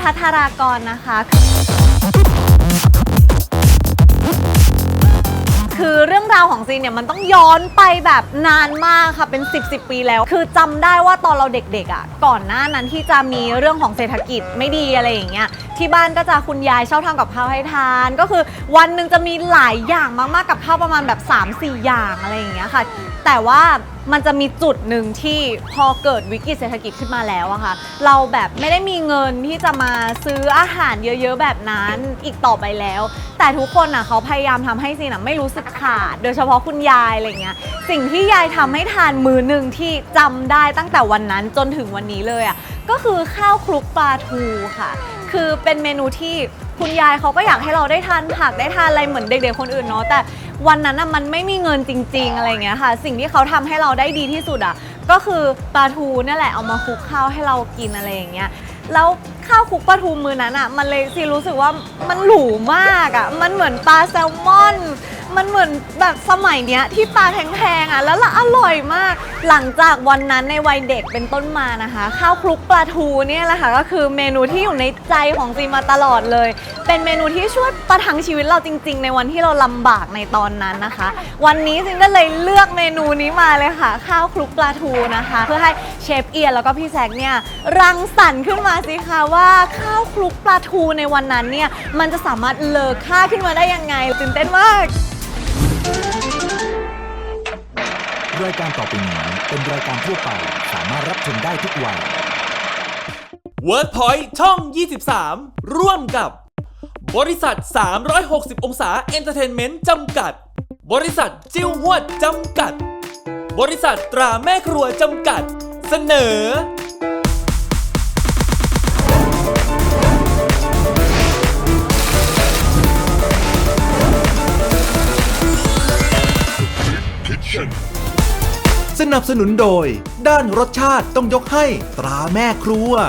ภัทรากรนะคะคือเรื่องราวของซีนเนี่ยมันต้องย้อนไปแบบนานมากค่ะเป็น10 ปีแล้วคือจำได้ว่าตอนเราเด็กๆอ่ะก่อนหน้านั้นที่จะมีเรื่องของเศรษฐกิจไม่ดีอะไรอย่างเงี้ยที่บ้านก็จะคุณยายชอบทำกับข้าวให้ทานก็คือวันหนึ่งจะมีหลายอย่างมากๆกับข้าวประมาณแบบ 3-4 อย่างอะไรอย่างเงี้ยค่ะแต่ว่ามันจะมีจุดหนึ่งที่พอเกิดวิกฤตเศรษฐกิจขึ้นมาแล้วอะค่ะเราแบบไม่ได้มีเงินที่จะมาซื้ออาหารเยอะๆแบบนั้นอีกต่อไปแล้วแต่ทุกคนอะเขาพยายามทำให้ซีนไม่รู้สึกขาดโดยเฉพาะคุณยายอะไรเงี้ยสิ่งที่ยายทำให้ทานมื้อหนึ่งที่จำได้ตั้งแต่วันนั้นจนถึงวันนี้เลยอะก็คือข้าวคลุกปลาทูค่ะคือเป็นเมนูที่คุณยายเขาก็อยากให้เราได้ทานผักได้ทานอะไรเหมือนเด็กๆคนอื่นเนาะแต่วันนั้นน่ะมันไม่มีเงินจริงๆอะไรเงี้ยค่ะสิ่งที่เขาทำให้เราได้ดีที่สุดอ่ะก็คือปลาทูนี่แหละเอามาคลุกข้าวให้เรากินอะไรอย่างเงี้ยแล้วข้าวคลุกปลาทูมื้อนั้นอ่ะมันเลยซีรู้สึกว่ามันหรูมากอ่ะมันเหมือนปลาแซลมอนมันเหมือนแบบสมัยเนี้ยที่ปลาแพงๆอ่ะแล้วอร่อยมากหลังจากวันนั้นในวัยเด็กเป็นต้นมานะคะข้าวคลุกปลาทูเนี่ยแหละค่ะก็คือเมนูที่อยู่ในใจของซีมาตลอดเลยเป็นเมนูที่ช่วยประทังชีวิตเราจริงๆในวันที่เราลำบากในตอนนั้นนะคะวันนี้ซิงก็เลยเลือกเมนูนี้มาเลยค่ะข้าวคลุกปลาทูนะคะเพื่อให้เชฟเอียนแล้วก็พี่แซคเนี่ยรังสรรค์ขึ้นมาสิคะว่าข้าวคลุกปลาทูในวันนั้นเนี่ยมันจะสามารถเลอค่าขึ้นมาได้ยังไงตื่นเต้นมากรายการต่อไปนี้เป็นรายการทั่วไปสามารถรับชมได้ทุกวัย WordPoint ช่อง 23 ร่วมกับบริษัท 360 องศาเอนเตอร์เทนเมนต์จำกัดบริษัทจิ้วหวดจำกัดบริษัทตราแม่ครัวจำกัดเสนอสนับสนุนโดยด้านรสชาติต้องยกให้ตราแม่ครัว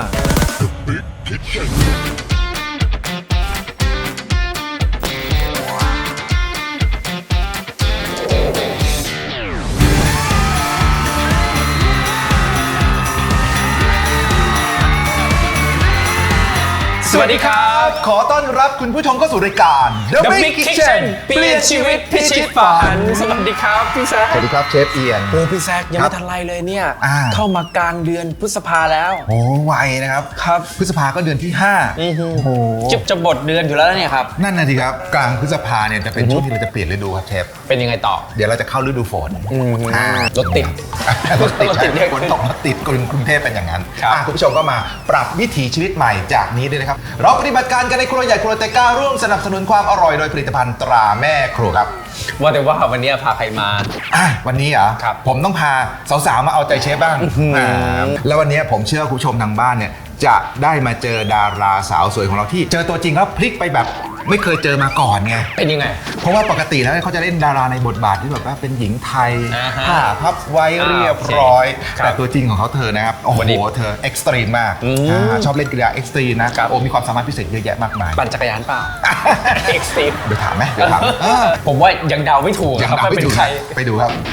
สวัสดีครับขอต้อนรับคุณผู้ชมเข้าสู่รายการ The Big Kitchen เปลี่ยนชีวิตพิชิตฝันสวัสดีครับพี่แซคสวัสดีครับเชฟเอียนโอ้พี่แซคยังไม่ทันไรเลยเนี่ยเข้ามากลางเดือนพฤษภาแล้วโอ้ไวนะครับครับพฤษภาก็เดือนที่5โอ้โหจะบทเดือนอยู่แล้วเนี่ยครับนั่นนะทีครับกลางพฤษภาเนี่ยจะเป็นช่วงที่เราจะเปลี่ยนฤดูครับเชฟเป็นยังไงต่อเดี๋ยวเราจะเข้าฤดูฝนรถติดรถติดฝนตกรถติดกรุงเทพเป็นอย่างนั้นคุณผู้ชมก็มาปรับวิถีชีวิตใหม่จากนี้ด้วยนะครับเราปฏิบัติการกันในครัวใหญ่ครัวเตก้าร่วมสนับสนุนความอร่อยโดยผลิตภัณฑ์ตราแม่ครัวครับว่าแต่ว่าวันนี้พาใครมาวันนี้เหรอผมต้องพาสาวๆมาเอาใจเชฟบ้างแล้ววันนี้ผมเชื่อคุณผู้ชมทางบ้านเนี่ยจะได้มาเจอดาราสาวสวยของเราที่เจอตัวจริงแล้วพลิกไปแบบไม่เคยเจอมาก่อนไงเป็นยังไงเพราะว่าปกติแล้วเขาจะเล่นดาราในบทบาทที่แบบว่าเป็นหญิงไทยผ้าพับไว้เรียบร้อยแต่ตัวจริงของเขาเธอนะครับโอ้โหเธอเอ็กซ์ตรีมมากชอบเล่นกีฬาเอ็กซ์ตรีมนะโอ้มีความสามารถพิเศษเยอะแยะมากมายปั่นจักรยานเปล่าเอ็กซ์ตรีมเดี๋ยวถามไหมผมว่ายังเดาไม่ถูกครับว่าเป็นใครไปดูครับ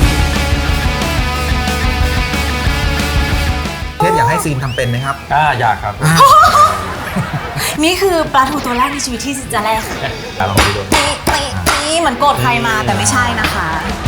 เทพอยากให้ซีนทำเป็นไหมครับอยากครับนี่คือปลาทูตัวแรกในชีวิตที่จะแรกค่ะลองไปดูนี่เหมือนโกรธใครมาแต่ไม่ใช่นะคะ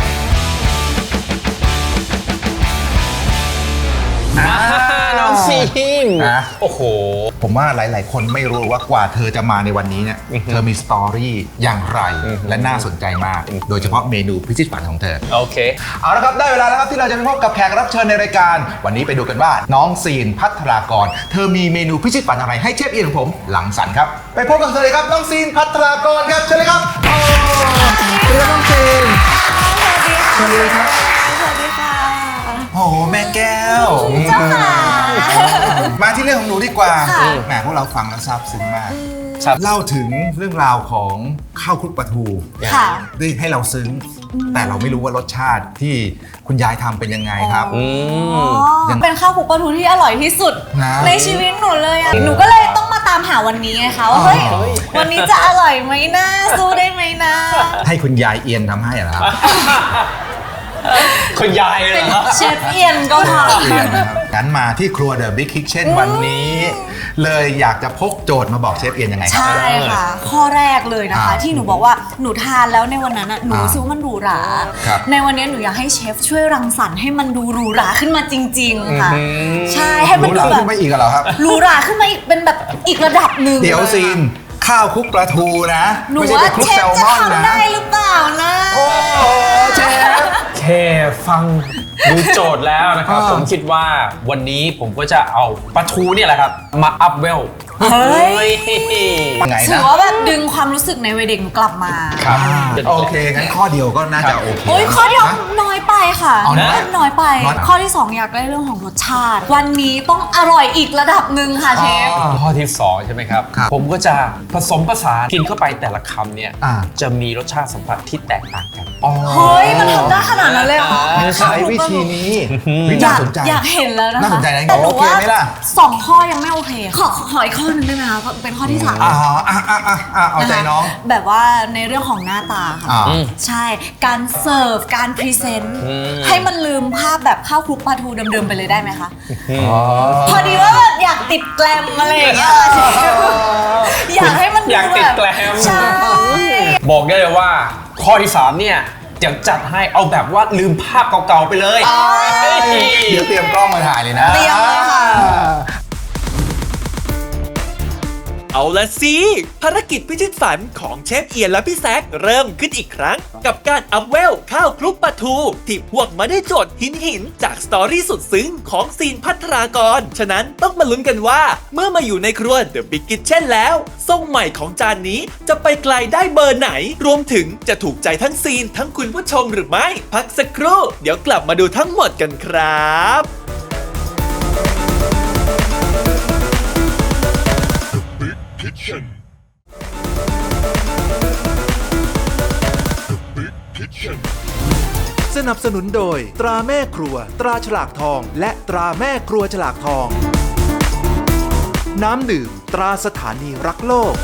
น้องซีนโอ้โหผมว่าหลายๆคนไม่รู้ว่ากว่าเธอจะมาในวันนี้เนี่ยเธอมีสตอรี่อย่างไรและน่าสนใจมากโดยเฉพาะเมนูพิชิตฝันของเธอโอเคเอาละครับได้เวลาแล้วครับที่เราจะไปพบกับแขกรับเชิญในรายการวันนี้ไปดูกันว่าน้องซีนภัทรากรเธอมีเมนูพิชิตฝันอะไรให้เชฟเอียนของผมหลังสรรค์ครับไปพบกับเธอเลยครับน้องซีนภัทรากรครับเชิญเลยครับสวัสดีครับน้องซีนสวัสดีครับสวัสดีค่ะโอ้โหแม่แก้วเจ้าค่ะมาที่เรื่องของหนูดีกว่าแหมพวกเราฟังแล้วซาบซึ้งมากเล่าถึงเรื่องราวของข้าวคลุกปลาทูได้ให้เราซึ้งแต่เราไม่รู้ว่ารสชาติที่คุณยายทำเป็นยังไงครับเป็นข้าวคลุกปลาทูที่อร่อยที่สุดในชีวิตหนูเลยอ่ะหนูก็เลยต้องมาตามหาวันนี้ไงคะว่าเฮ้ยวันนี้จะอร่อยไหมนะสู้ได้ไหมนะให้คุณยายเอียนทำให้เหรอครับคุณยายเลยเชฟเอียนก็พองั้นมาที่ครัว The Big Kitchen วันนี้ เลยอยากจะพกโจทย์มาบอกเชฟเอียนยังไงครับใช่ค่ะ ข้อแรกเลยนะคะ ที่หนูบอกว่าหนูทานแล้วในวันนั้นน่ะหนูรู้สึกว่ามันหรูหราครับในวันนี้หนูอยากให้เชฟช่วยรังสรรค์ให้มันดูหรูหราขึ้นมาจริง ๆ ค่ะ ใช่ให้มันรู้ดูเราแบขึ้บนไปอีกเหรอครับหรูหราขึ้นมาอีกเป็นแบบอีกระดับหนึ่งเดี๋ยวซีนข้าวคลุกปลาทูนะหนูไม่ใช่ว่าไปคลุกเชแซฟลจะมอนนะทำได้หรือเปล่านะโอ้โหเชฟแค่ฟังดูโจทย์แล้วนะครับอ่าผมคิดว่าวันนี้ผมก็จะเอาปลาทูเนี่ยแหละครับ มาอัพเวลเฮ้ยยังไงถืนะอว่าแบบดึงความรู้สึกในวัยเด็กหนูกลับมาครับโอเค งั้นข้อเดียวก็น่าจะโอเคโอ้ยข้อเดียวนะน้อยไปค่ะเอานะน้อยไปน้อยข้อที่ 2 อยากได้เรื่องของรสชาติ วันนี้ต้องอร่อยอีกระดับหนึ่งค่ะเชฟข้อที่ 2 ใช่ไหมครับครับผมก็จะผสมผสานกินเข้าไปแต่ละคำเนี่ยอ่าจะมีรสชาติสัมผัสที่แตกต่างกันอ๋อเฮ้ย มันทำได้ขนาดนั้นเลยเหรอใช้วิธีนี้วิอธียากสนใจอยากเห็นแล้วนะคะน่าสนใจนะแต่หนูโอเคว่าไหมล่ะ 2 ข้อยังไม่โอเค ขออีกข้อหนึงได้ไหมคะเป็นข้อที่ 3 เอาใจน้องแบบว่าในเรื่องของหน้าตาค่ะอ่าใช่การเสิร์ฟการพรีเซนต์อืมให้มันลืมภาพแบบข้าวคลุกปลาทูเดิมๆไปเลยได้ไหมคะอ๋อพอดีว่าแบบอยากติดแกลมอะไรอย่างเงี้ยอยากให้มันดูอยากติดแบบแกลมใช่บอกได้เลยว่าข้อที่ 3 เนี่ยจะจัดให้เอาแบบว่าลืมภาพเก่าๆไปเลยเฮ้ยเดี๋ยวเตรียมกล้องมาถ่ายเลยนะเตรียมเลยค่ะเอาละสิ ภารกิจพิชิตฝันของเชฟเอียนและพี่แซคเริ่มขึ้นอีกครั้ง กับการอัพเวลข้าวคลุกปลาทู ที่พวกมาได้โจทย์หินจากสตอรี่สุดซึ้งของซีนพัทรากร ฉะนั้นต้องมาลุ้นกันว่าเมื่อมาอยู่ในครัว The Big Kitchen แล้วทรงใหม่ของจานนี้จะไปไกลได้เบอร์ไหน รวมถึงจะถูกใจทั้งซีนทั้งคุณผู้ชมหรือไม่ พักสักครู่ เดี๋ยวกลับมาดูทั้งหมดกันครับสนับสนุนโดยตราแม่ครัว ตราฉลากทอง และตราแม่ครัวฉลากทอง น้ำดื่มตราสถานีรักโลก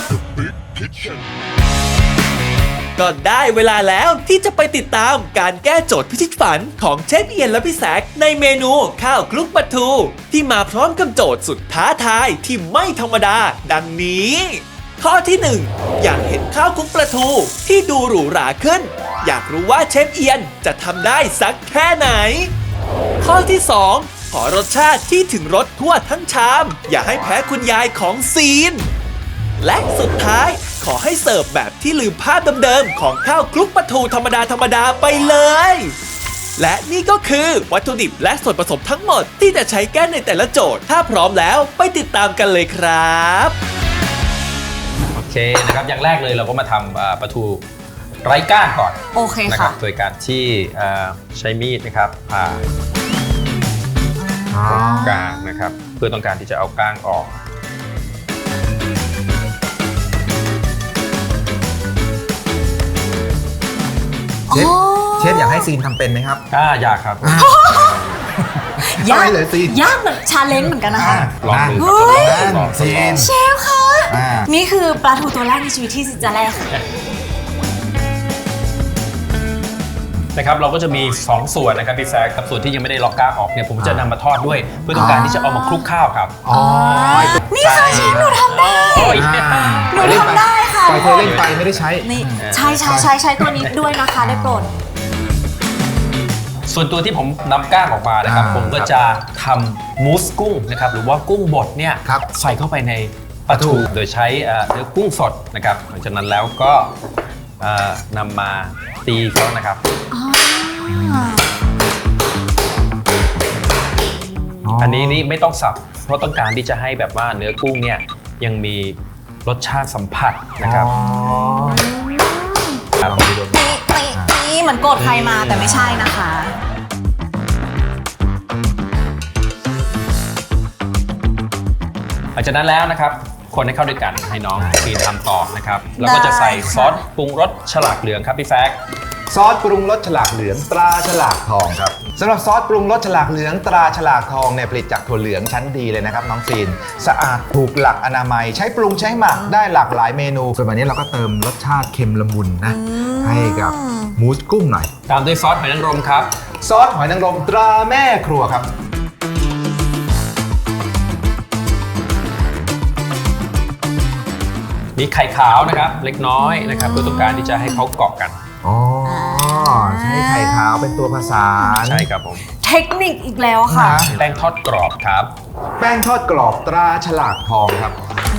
ก็ได้เวลาแล้วที่จะไปติดตามการแก้โจทย์พิชิตฝันของเชฟเอียนและพี่แซคในเมนูข้าวคลุกปลาทู ที่มาพร้อมกับโจทย์สุดท้าทายที่ไม่ธรรมดา ดังนี้ ข้อที่ 1 อยากเห็นข้าวคลุกปลาทูที่ดูหรูหราขึ้น อยากรู้ว่าเชฟเอียนจะทำได้สักแค่ไหน ข้อที่ 2 ขอรสชาติที่ถึงรสทั่วทั้งชาม อย่าให้แพ้คุณยายของซีน และสุดท้ายขอให้เสิร์ฟแบบที่ลืมภาพเดิมๆของข้าวคลุกปลาทูธรรมดาไปเลย และนี่ก็คือวัตถุดิบและส่วนผสมทั้งหมดที่จะใช้แก้ในแต่ละโจทย์ ถ้าพร้อมแล้วไปติดตามกันเลยครับโอเคนะครับอย่างแรกเลยเราก็มาทำปลาทูไร้ก้างก่อนโอเคนะครัค่ะบโดยการที่ใช้มีดนะครับผ่าตรงกลางนะครับเพื่อต้องการที่จะเอาก้างออกเชฟอยากให้ซีนทำเป็นไหมครับอยากครับยากไม่เลยซีนยากเหมือนชาเลนจ์เหมือนกันนะคะลองดูเฮ้ยครับลองซีนเชฟคะอ่านี่คือปลาทูตัวแรกในชีวิตที่ซินจะแรกค่ะนะครับเราก็จะมี 2 ส่วนนะครับพี่แซคกับส่วนที่ยังไม่ได้ล็อกก้างออกเนี่ยผมจะนำมาทอดด้วย เพื่อต้องการที่จะเอามาคลุกข้าวครับอ๋อนี่ค่ะเชฟหนูทำได้โอ้ยหนูทำได้ค่ะปล่อยเธอเล่นไปไม่ได้ใช้นี่ใช้ตัวนี้ด้วยนะคะได้โปรดส่วนตัวที่ผมนำก้างออกมานะครับ ผมก็จะทำมูสกุ้งนะครับหรือว่ากุ้งบดเนี่ยครับใส่เข้าไปในปลาทูโดยใช้เนื้อกุ้งสดนะครับหลังจากนั้นแล้วก็นำมาตีเขานะครับ อันนี้นี่ไม่ต้องสับเพราะต้องการที่จะให้แบบว่าเนื้อกุ้งเนี่ยยังมีรสชาติสัมผัสนะครับลองดูนี่เหมือนโกรธใครมาแต่ไม่ใช่นะคะหลังจากนั้นแล้วนะครับคนให้เข้าด้วยกันให้น้องซีนทำต่อนะครับแล้วก็จะใส่ซอสปรุงรสฉลากเหลืองครับพี่แซคซอสปรุงรสฉลากเหลืองตราฉลากทองครับสำหรับซอสปรุงรสฉลากเหลืองตราฉลากทองเนี่ยผลิตจากถั่วเหลืองชั้นดีเลยนะครับน้องซีนสะอาดถูกหลักอนามัยใช้ปรุงใช้หมักได้หลากหลายเมนูส่วนวันนี้เราก็เติมรสชาติเค็มละมุนนะให้กับมูสกุ้งหน่อยตามด้วยซอสหอยนางรมครับซอสหอยนางรมตราแม่ครัวครับมีไข่ขาวนะครับเล็กน้อยนะครับเพื่อต้องการที่จะให้เขาเกาะกันอ๋อใช้ไข่ขาวเป็นตัวผสานใช่ครับผมเทคนิคอีกแล้วค่ะนะแป้งทอดกรอบครับแป้งทอดกรอบตราฉลากทองครับ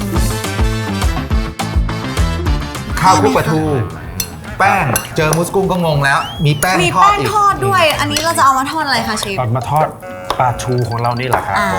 ข้าวคลุกปลาทู แป้งเจอมุสกุ้งก็งงแล้ว มีแป้งมีทอดแป้งอีกทอดด้วย อันนี้เราจะเอามาทอดอะไรคะเชฟเรามาทอดปลาทูของเรานี่แหละครับผม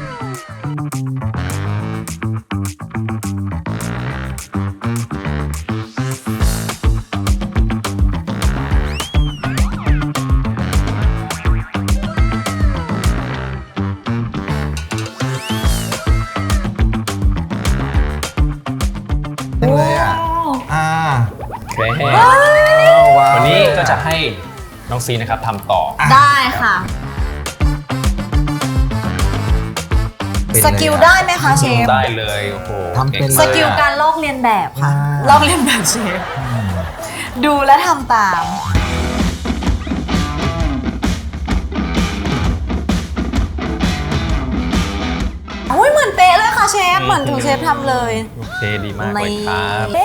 จังเลยอ่ะโอเคว้าววันนี้ก็จะให้น้องซีนะครับทำต่อได้ค่ะเป็นสกิลได้ไหมคะเชฟได้เลยโอ้โหทำเป็นสกิลการลอกเลียนแบบค่ะอ่าลอกเลียนแบบเชฟ ดูและทำตามอุ้ยเหมือนเป๊ะเลยค่ะเชฟ เหมือนถูกเชฟทำเลยโอเคดีมากเลยครับนี่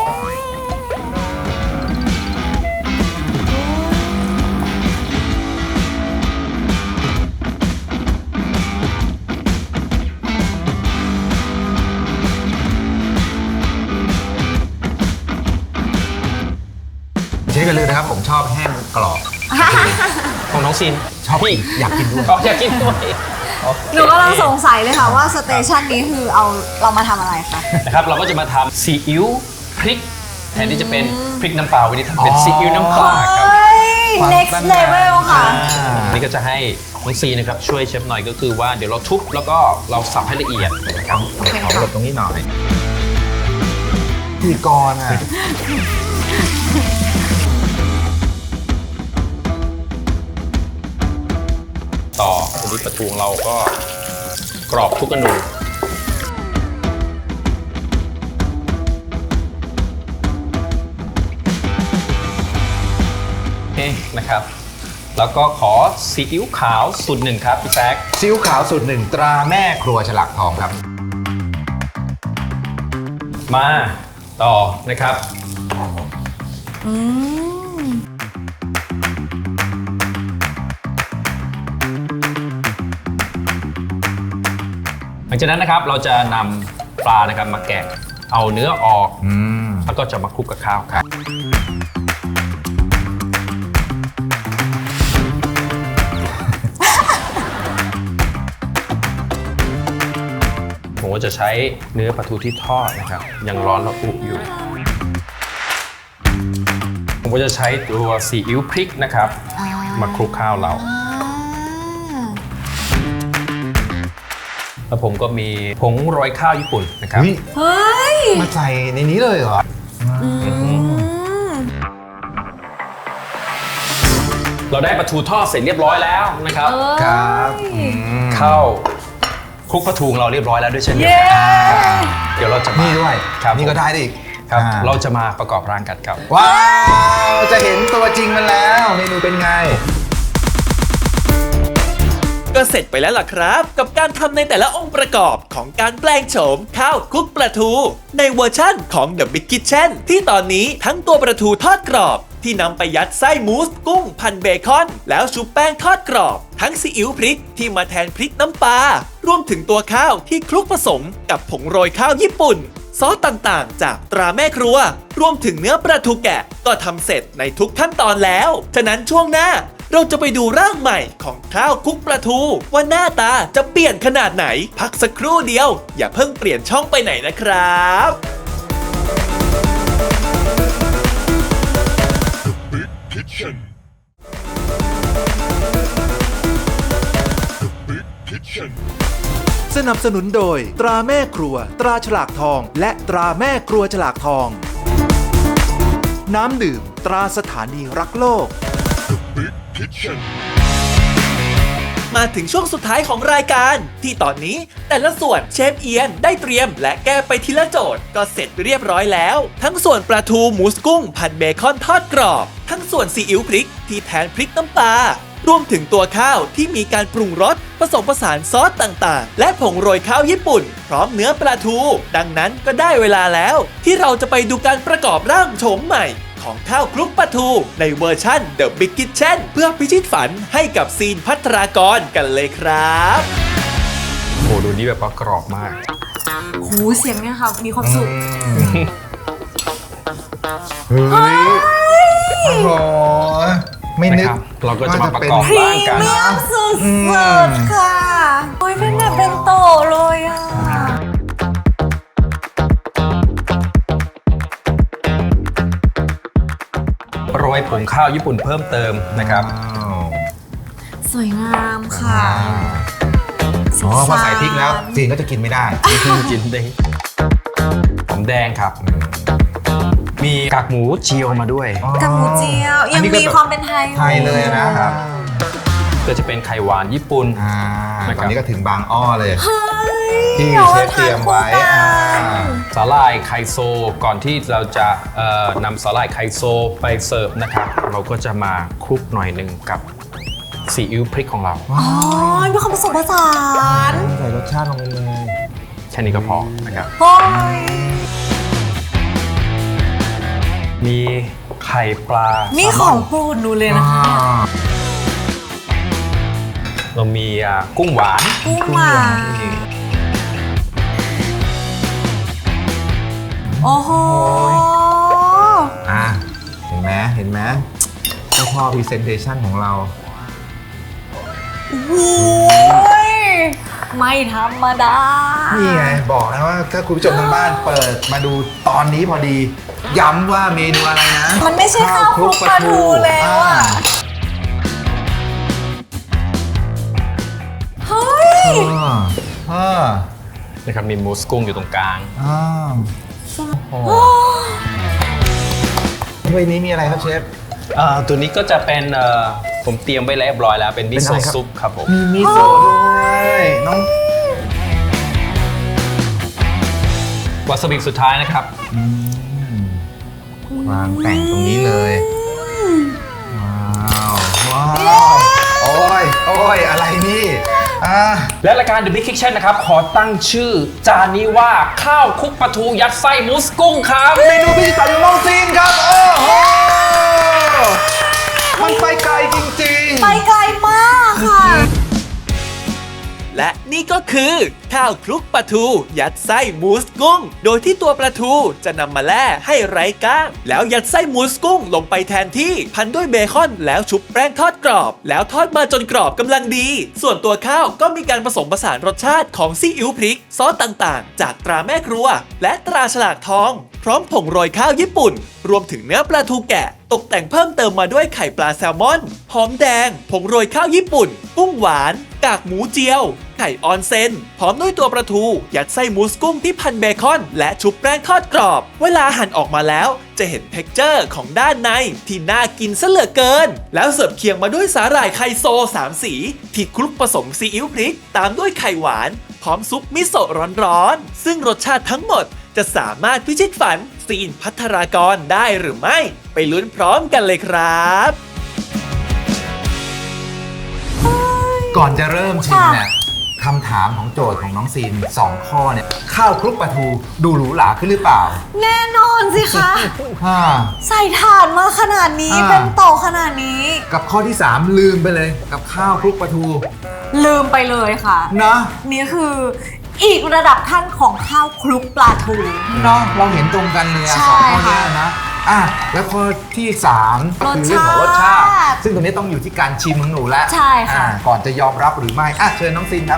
เชฟกันเลยนะครับผมชอบแห้งกรอบของน้องซีนชอบพี่อยากกินด้วยอยากกินด้วยโอเคหนูกำลังสงสัยเลยค่ะว่าสเตชันนี้คือเรามาทำอะไรคะนะครับเราก็จะมาทำซีอิ๊วพริกแทนที่จะเป็นพริกน้ำปลาวันนี้ทำเป็นซีอิ๊วน้ำปลาครับเฮ้ย next level ค่ะนี่ก็จะให้น้องซีนะครับช่วยเชฟหน่อยก็คือว่าเดี๋ยวเราทุบแล้วก็เราสับให้ละเอียดนะครับขอหลบตรงนี้หน่อยพี่กรณ์อ่ะต่อวันนี้ปลาทูของเราก็กรอบทุกอนูโอเคนะครับ แล้วก็ขอซีอิ๊วขาวสูตรหนึ่งครับพี่แซคซีอิ๊วขาวสูตรหนึ่งตราแม่ครัวฉลากทองครับมาต่อนะครับ หลังจากนั้นนะครับเราจะนำปลานะครับมาแกะเอาเนื้อออก แล้วก็จะมาคลุกกับข้าวครับ ผมก็จะใช้เนื้อปลาทูที่ทอดนะครับยังร้อนระอุอยู่ ผมก็จะใช้ตัวซีอิ๊วพริกนะครับ มาคลุกข้าวเรา แล้วผมก็มีผงโรยข้าวญี่ปุ่นนะครับอุ๊ยเฮ้ยมาใส่ในนี้เลยเหรอเราได้ปลาทูทอดเสร็จเรียบร้อยแล้วนะครับครับมเข้าคลุกปลาทูของเราเรียบร้อยแล้วด้วยเช่นเดียวเย้กันเดี๋ยวเราจะมานี่ด้วยครับนี่ก็ได้ดิครับอ่าเราจะมาประกอบร่างกันครับว้าวจะเห็นตัวจริงมันแล้วเมนูเป็นไงก็เสร็จไปแล้วล่ะครับ กับการทำในแต่ละองค์ประกอบของการแปลงโฉมข้าวคลุกปลาทู ในเวอร์ชั่นของ The Big Kitchen ที่ตอนนี้ทั้งตัวปลาทูทอดกรอบ ที่นำไปยัดไส้มูสกุ้งพันเบคอนแล้วชุบแป้งทอดกรอบ ทั้งซีอิ๊วพริกที่มาแทนพริกน้ำปลารวมถึงตัวข้าวที่คลุกผสมกับผงโรยข้าวญี่ปุ่น ซอสต่างๆ จากตราแม่ครัว รวมถึงเนื้อปลาทูแกะก็ทำเสร็จในทุกขั้นตอนแล้ว ฉะนั้นช่วงหน้าเราจะไปดูร่างใหม่ของข้าวคลุกปลาทูว่าหน้าตาจะเปลี่ยนขนาดไหน พักสักครู่เดียว อย่าเพิ่งเปลี่ยนช่องไปไหนนะครับสนับสนุนโดยตราแม่ครัว ตราฉลากทอง และตราแม่ครัวฉลากทอง น้ำดื่ม ตราสถานีรักโลกมาถึงช่วงสุดท้ายของรายการ ที่ตอนนี้แต่ละส่วนเชฟเอียนได้เตรียมและแก้ไปทีละโจทย์ก็เสร็จเรียบร้อยแล้ว ทั้งส่วนปลาทูหมูสกุ้งผัดเบคอนทอดกรอบ ทั้งส่วนซีอิ๊วพริกที่แทนพริกน้ำปลารวมถึงตัวข้าวที่มีการปรุงรสผสมผสานซอสต่างๆ และผงโรยข้าวญี่ปุ่น พร้อมเนื้อปลาทู ดังนั้นก็ได้เวลาแล้ว ที่เราจะไปดูการประกอบร่างโฉมใหม่ของข้าวคลุกปลาทูในเวอร์ชั่น The Big Kitchen เพื่อพิชิตฝันให้กับซีนภัทรากรกันเลยครับโอ้ดูนี่แบบว่ากรอบมากหูเสียงเนี่ยค่ะ มีความสุขเฮ้ยโอ้โหไม่นึนะกครับ เราก็จะมาประกอบพรีร่างกันเมียมสุดๆค่ะ โอ้ยเป็นแบบเป็นโตเลยอ่ะโรยผงข้าวญี่ปุ่นเพิ่มเติมนะครับสวยงามค่ะอ๋อพอใส่พริกแล้วจีนก็จะกินไม่ได้กินได้หอมแดงครับ มีกากหมูเจียวมาด้วยกับหมูเจียว ยังมีความเป็นไทยไทยเลยนะครับก็จะเป็นไข่หวานญี่ปุ่นตอนนี้ก็ถึงบางอ้อเลยเฮ้ยที่เชฟเตรียมไว้เอาาทานคู่กันสาหร่ายไคโซก่อนที่เราจะนำสาหร่ายไคโซไปเสิร์ฟนะครับ เราก็จะมาคลุกหน่อยหนึ่งกับซีอิ๊วพริกของเราอ๋อมีความผสมผสานใส่รสชาติลงไปเลยแค่นี้ก็พอนะครับโอ้ยมีไข่ปลานี่แซลขมออง นโปรดหนูเลยนะคะเรามีกุ้งหวานกุ้งหวานโอ้โหเห็นไหมเห็นไหมเจ้าพ่อพรีเซนเทชันของเราโอ้ยไม่ธรรมดานี่ไงบอกนะว่าถ้าคุณผู้ชมทางบ้านเปิดมาดูตอนนี้พอดี ย้ำว่าเมนูอะไรนะมันไม่ใช่ข้าวคลุกปลาทูแล้วอ่ะ เฮ้ยนะครับมีมูสกุ้งอยู่ตรงกลางถ้วยนี้มีอะไรครับเชฟตัวนี้ก็จะเป็นผมเตรียมไว้แล้วเรียบร้อยแล้วเป็นมิโซะซุปครับผมมีมิโซะด้วยน้องวาซาบิสุดท้ายนะครับวางแต่งตรงนี้เลย ว้าวว้าวโอ้ยโอ้ยอะไรนี่และรายการ The Big Kitchen นะครับ ขอตั้งชื่อจานนี้ว่าข้าวคลุกปลาทูยัดไส้มูสกุ้งครับเมนูพิเศษของน้องซีนครับโอ้โหมันไปไกลจริงๆไปไกลมากค่ะและนี่ก็คือข้าวคลุกปลาทูยัดไส้มูสกุ้ง โดยที่ตัวปลาทูจะนำมาแล่ให้ไร้ก้าง แล้วยัดไส้มูสกุ้งลงไปแทนที่พันด้วยเบคอนแล้วชุบแป้งทอดกรอบ แล้วทอดมาจนกรอบกำลังดี ส่วนตัวข้าวก็มีการผสมผสานรสชาติของซีอิ๊วพริกซอสต่างๆ จากตราแม่ครัว และตราฉลากทอง พร้อมผงโรยข้าวญี่ปุ่น รวมถึงเนื้อปลาทูแกะ ตกแต่งเพิ่มเติมมาด้วยไข่ปลาแซลมอนหอมแดง ผงโรยข้าวญี่ปุ่น กุ้งหวาน กากหมูเจียว ไข่ออนเซนพร้อมด้วยตัวปลาทู ยัดไส้มูสกุ้งที่พันเบคอน และชุบแป้งทอดกรอบ เวลาหั่นออกมาแล้ว จะเห็นเท็กเจอร์ของด้านในที่น่ากินซะเหลือเกิน แล้วเสิร์ฟเคียงมาด้วยสาหร่ายไคโซ3สี ที่คลุกผสมซีอิ๊วพริก ตามด้วยไข่หวาน พร้อมซุปมิโซะร้อนๆซึ่งรสชาติทั้งหมดจะสามารถพิชิตฝันซีนภัทรากรได้หรือไม่ ไปลุ้นพร้อมกันเลยครับก่อนจะเริ่มชิมเนี่ยคำถามของโจทย์ของน้องซีน2 ข้อเนี่ยข้าวคลุกปลาทูดูหรูหราขึ้นหรือเปล่าแน่นอนสิคะฮ่าใส่ถ่านมาขนาดนี้ เป็นโตขนาดนี้กับข้อที่ 3 ลืมไปเลยกับข้าวคลุกปลาทูลืมไปเลยค่ะนะนี่คืออีกระดับขั้นของข้าวคลุกปลาทูเนาะเราเห็นตรงกันเลยอะใช่สองข้อเนี้ค่ะนะแล้วข้อที่3ก็คือเรื่องของรสชาติ ซึ่งตรงนี้ต้องอยู่ที่การชิมของหนูแล้วใช่ค่ะก่อนจะยอมรับหรือไม่เชิญน้องซีนครับ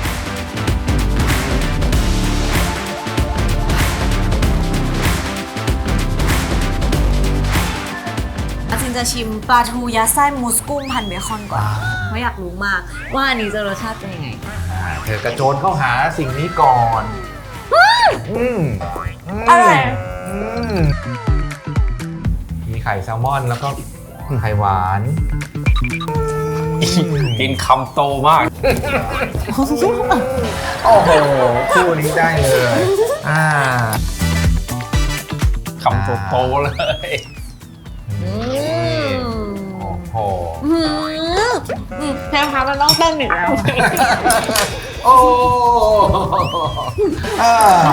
ซินจะชิมปลาทูยัดไส้มูสกุ้งพันเบคอนก่อนเพราะอยากรู้มากว่าอันนี้จะรสชาติเป็นยังไงเธอกระโจนเข้าหาสิ่งนี้ก่อนอร่อยมีไข่แซลมอนแล้วก็ไข่หวานกินคำโตมากโอ้โหคู่นี้ได้เลยคำโตๆเลยโอ้โหเชฟคะมันต้องเต้นอีกแล้วโอ้อ่า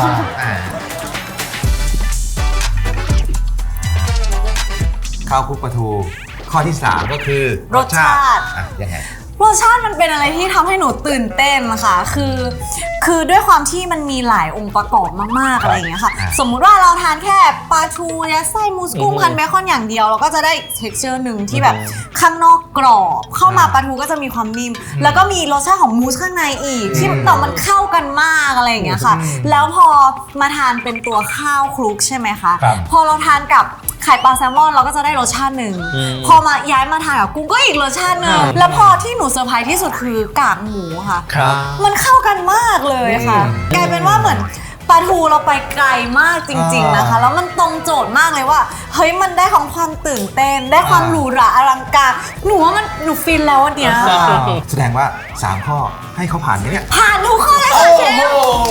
ข้าวคลุกปลาทูข้อที่ 3 ก็คือรสชาติอ่ะยังไงรสชาติมันเป็นอะไรที่ทำให้หนูตื่นเต้นนะคะคือด้วยความที่มันมีหลายองค์ประกอบมากๆอะไรอย่างเงี้ยค่ะ สมมุติว่าเราทานแค่ปลาทูยัดไส้มูสกุ้งพันเบคอนอย่างเดียวเราก็จะได้ texture หนึ่งที่แบบข้างนอกกรอบเข้ามาปลาทูก็จะมีความนิ่มแล้วก็มีรสชาติของมูสข้างในอีกที่แต่มันเข้ากันมากอะไรอย่างเงี้ยค่ะแล้วพอมาทานเป็นตัวข้าวคลุกใช่ไหมคะครับพอเราทานกับไข่ปลาแซลมอนเราก็จะได้รสชาติหนึ่งพอมาย้ายมาทานกับกุ้งก็อีกรสชาติหนึ่งแล้วพอที่หนูเซอร์ไพรส์ที่สุดคือกากหมูค่ะครับมันเข้ากันมากเลยค่ะ กลายเป็นว่าเหมือนปลาทูเราไปไกลมากจริงๆนะคะ แล้วมันตรงโจทย์มากเลยว่าเฮ้ยมันได้ของความตื่นเต้น ได้ความหรูหราอลังการหนูว่ามันหนูฟินแล้ววันเนี้ยแสดงว่า 3 ข้อให้เขาผ่านไหมเนี่ยผ่านทุกข้อเลยค่ะเชฟ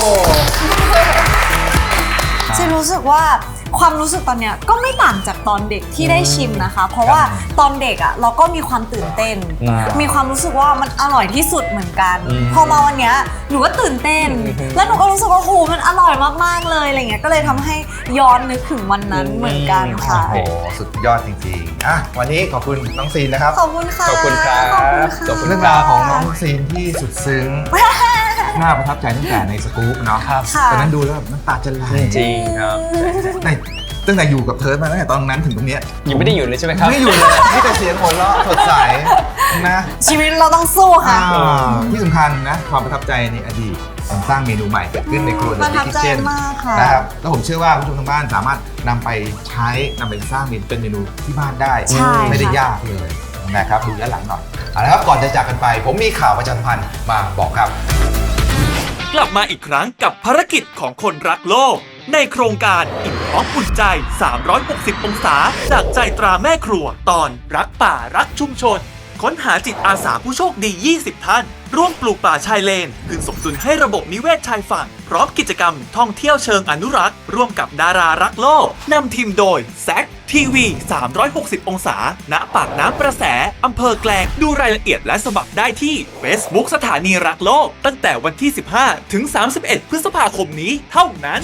เชฟรู้สึกว่าความรู้สึกตอนเนี้ยก็ไม่ต่างจากตอนเด็กที่ได้ชิมนะคะ เพราะว่าตอนเด็กอ่ะเราก็มีความตื่นเต้น มีความรู้สึกว่ามันอร่อยที่สุดเหมือนกันพอมาวันเนี้ยหนูก็ตื่นเต้น แล้วหนูก็รู้สึกว่าโหมันอร่อยมากๆเลยอะไรเงี้ยก็เลยทำให้ย้อนนึกถึงวันนั้นเหมือนกันค่ะโอ้โห สุดยอดจริงๆ อ่ะ วันนี้ขอบคุณน้องซีนนะครับขอบคุณค่ะขอบคุณครับขอบคุณค่ะขอบคุณเรื่องราวของน้องซีนที่สุดซึ้ง น่าประทับใจตั้งแต่ในสกู๊ปเนาะครับค่ะตอนนั้นดูแล้วแบบน้ำตาจะไหลจริงครับตั้งแต่อยู่กับเธอมาตั้งแต่ตอนนั้นถึงตรงเนี้ยยังไม่ได้หยุดเลยใช่ไหมครับไม่อยู่เลยมีแต่เสียงหัวเราะสดใสนะชีวิตเราต้องสู้ค่ะที่สำคัญนะ ความประทับใจในอดีตมันสร้างเมนูใหม่เกิดขึ้นในครัวประทับใจ Kitchen มากค่ะนะครับแล้วผมเชื่อว่าผู้ชมทางบ้านสามารถนำไปใช้นำไปสร้างเป็นเมนูที่บ้านได้ใช่ไม่ได้ค่ะยากเลยนะครับดูย้อนหลังหน่อยเอาละครับก่อนจะจากกันไป ผมมีข่าวประชาสัมพันธ์มาบอกครับกลับมาอีกครั้งกับภารกิจของคนรักโลก ในโครงการอิ่มท้องอุ่นใจ 360 องศา จากใจตราแม่ครัว ตอนรักป่ารักชุมชน ค้นหาจิตอาสาผู้โชคดี 20 ท่าน ร่วมปลูกป่าชายเลนคืนสมดุลให้ระบบนิเวศชายฝั่ง พร้อมกิจกรรมท่องเที่ยวเชิงอนุรักษ์ ร่วมกับดารารักโลก นำทีมโดยแซคทีวี 360 องศา ณ ปากน้ำประแส อำเภอแกลง ดูรายละเอียดและสมัครได้ที่ Facebook สถานีรักโลก ตั้งแต่วันที่ 15 ถึง 31 พฤษภาคมนี้เท่านั้น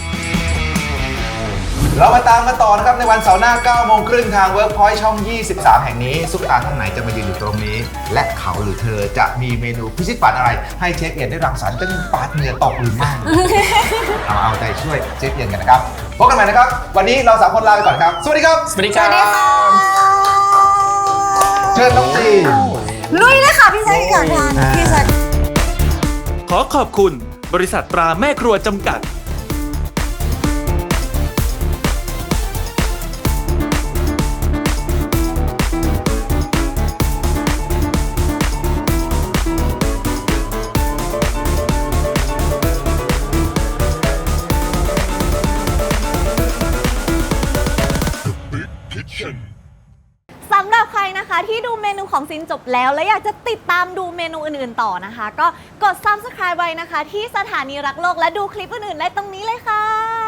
เรามาตามกันต่อนะครับในวันเสาร์หน้า 9 โมงครึ่งทาง Workpoint ช่อง 23 แห่งนี้ซุปตาท่านไหนจะมายืนอยู่ตรงนี้ และเขาหรือเธอจะมีเมนูพิชิตฝันอะไร ให้เชฟเอียนได้รังสรรค์จนปาดเหงื่อตกหรือไม่ เอาใจช่วยเชฟเอียนกันนะครับพบกันใหม่นะครับ วันนี้เรา3 คนลาไปก่อนครับ สวัสดีครับสวัสดีครับเชิญน้องจีนลุยเลยค่ะพี่แซคอยากทานพี่แซคขอขอบคุณบริษัทตราแม่ครัวจำกัดสำหรับใครนะคะที่ดูเมนูของซินจบแล้ว และอยากจะติดตามดูเมนูอื่นๆต่อนะคะ ก็กด subscribe ไว้นะคะ ที่สถานีรักโลกและดูคลิปอื่นๆได้ตรงนี้เลยค่ะ